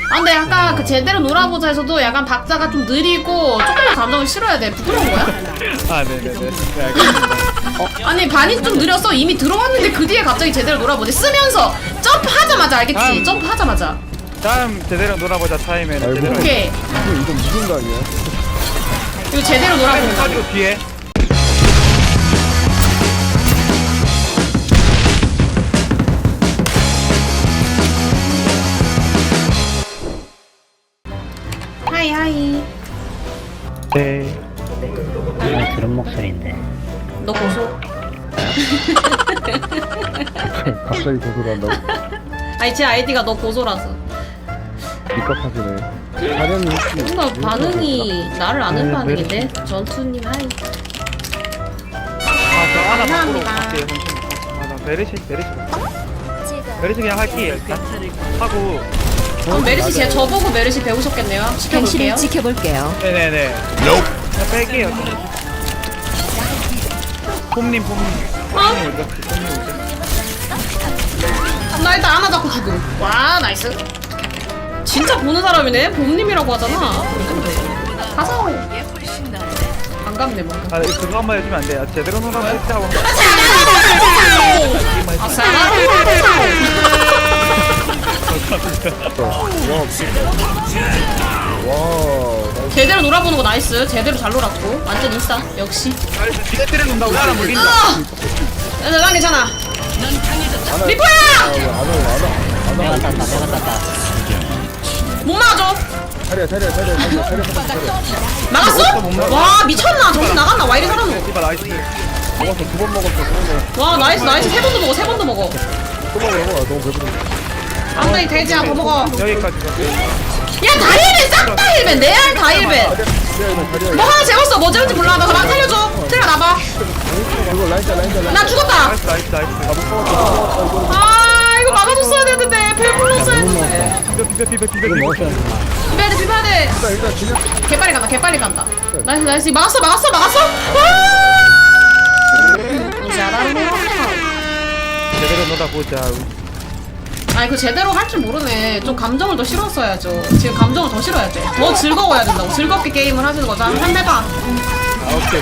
아 근데 약간 그 제대로 놀아보자에서도 약간 박자가 좀 느리고 조금만 감정을 실어야 돼. 부끄러운 거야? 아 네네네. 네 알겠습니다. 아니 반이 좀 느렸어. 이미 들어왔는데 그 뒤에 갑자기 제대로 놀아보지. 쓰면서 점프하자마자 알겠지? 점프하자마자. 다음 제대로 놀아보자 타임에는 제대로. 오케이. 이건 무슨 각이야? 이거 제대로 놀아보는 거. 가지고 뒤에. 하이 하이. 네. 아, 들은 목소리인데. 너 고소. 갑자기 고소를 한다고? 아니 제 아이디가 너 고소라서. 입각하시네. 사련이 혹시 뭔가 반응이 나를 아는 반응인데. 전투님 하이. 아저 하나 바꾸러 감사합니다. 갈게요. 잠시만요. 아나 메르시 그냥 할게요 일단. 하고. 그럼 메르시 제가 저보고 메르시 배우셨겠네요. 시켜볼게요. 지켜볼게요. 네네네. 그냥 뺄게요. 폼님. 폼님 어디 갔지? 폼님 어디 갔지? 나 일단 하나 잡고 죽음. 와 나이스. 진짜 보는 사람이네. 봄님이라고 하잖아. 가서. 반갑네 뭔가. 아 그거 한번 해주면 안 돼요. 제대로 놀아보자 하고. 아싸. 와, 제대로 놀아보는 거 나이스. 제대로 잘 놀았고. 완전 인싸. 역시. 뒤에 때려 논다고 사람 물린다. 난 괜찮아. 리포야! 내가 땄다, 내가 땄다. 못 막아줘. 차려. 막았어? 와 미쳤나? 정신 나갔나? 와 이리 살았노? 디바 나이스. 먹었어. 2번 먹었어. 와 나이스. 세 번도 먹어. 세 번도 먹어. 또 먹어. 너무 배부른데. 안돼 돼지야 더 먹어. 여기까지. 야 다일벤 싹 다 힐벤. 내알 다일벤. 뭐 하나 재웠어. 뭐 재웠지 몰라. 나 그만 살려줘. 트레가 나봐. 이거 라인자. 나 죽었다. 나이스. 아 이거 막아줬어야 되는데. 배불렀어야 했는데. 비벼. 비벼야 돼. 일단 그냥 개빨리 간다. 나이스. 막았어. 와! 잘하네. 제대로 놀아보자. 아니 그 제대로 할 줄 모르네. 좀 감정을 더 실었어야죠. 지금 감정을 더 실어야 돼. 더 즐거워야 된다고. 즐겁게 게임을 하시는 거죠. 한번 해봐. 오케이.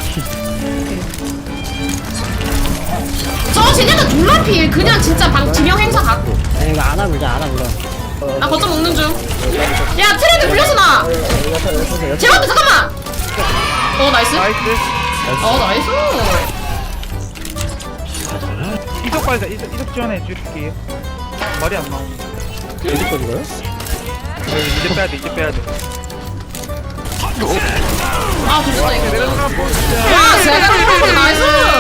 저 쟤네가 졸라필. 그냥 진짜 지명 행사 갖고. 야, 이거 안아 불자. 나 거점 먹는 중. 야 트레드 불렸어 나. 제발 잠깐만. 나이스. 나이스. 이석 발사. 이석 지원해 줄게요. 말이 안 나오네. 어디까지가요? 이제 빼야 돼. 아 좋다 이거. 제대로 놀아보자. 야 제가 불렀어 나이스.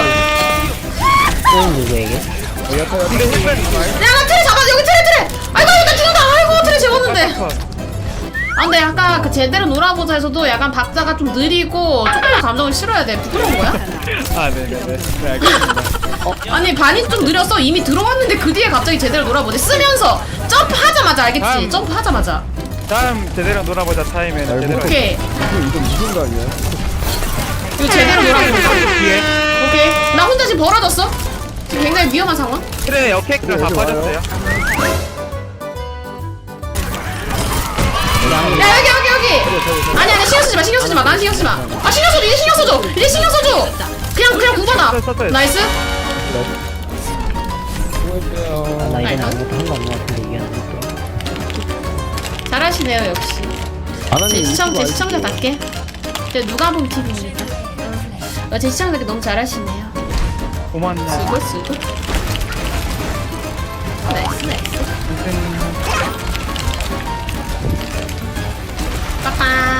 또 누구에게? 근데 흑발 야나 트레 잡아. 여기 트레. 아이고 나 죽는다. 아이고 트레 재웠는데. 아 근데 약간 그 제대로 놀아보자에서도 약간 박자가 좀 느리고 조금만 감정을 실어야 돼. 부끄러운 거야? 아 네네네. 네 알겠습니다. 아니 반이 좀 느렸어. 이미 들어왔는데 그 뒤에 갑자기 제대로 놀아보지. 쓰면서 점프하자마자 알겠지? 점프하자마자. 다음 제대로 놀아보자 타임에는 제대로. 오케이. 이건 무슨 각이야? 이거 제대로 놀아보는 거. 뒤에. 오케이. 나 혼자 지금 벌어졌어. 지금 굉장히 위험한 상황. 그래 역행가 다 빠졌어요. 야 여기. 아니 신경 쓰지 마. 난 신경 쓰지 마. 아 신경 써줘. 이제 신경 써줘. 그냥 구받아. 나이스. 나 이제는 아무것도 한 거 없는 것 같은데, 이겼는데. 잘하시네요 역시. 제 시청자답게. 제 누가 본 TV입니다. 제 시청자답게 너무 잘하시네요. 고맙네. 쓰고. 나이스. 빠빠.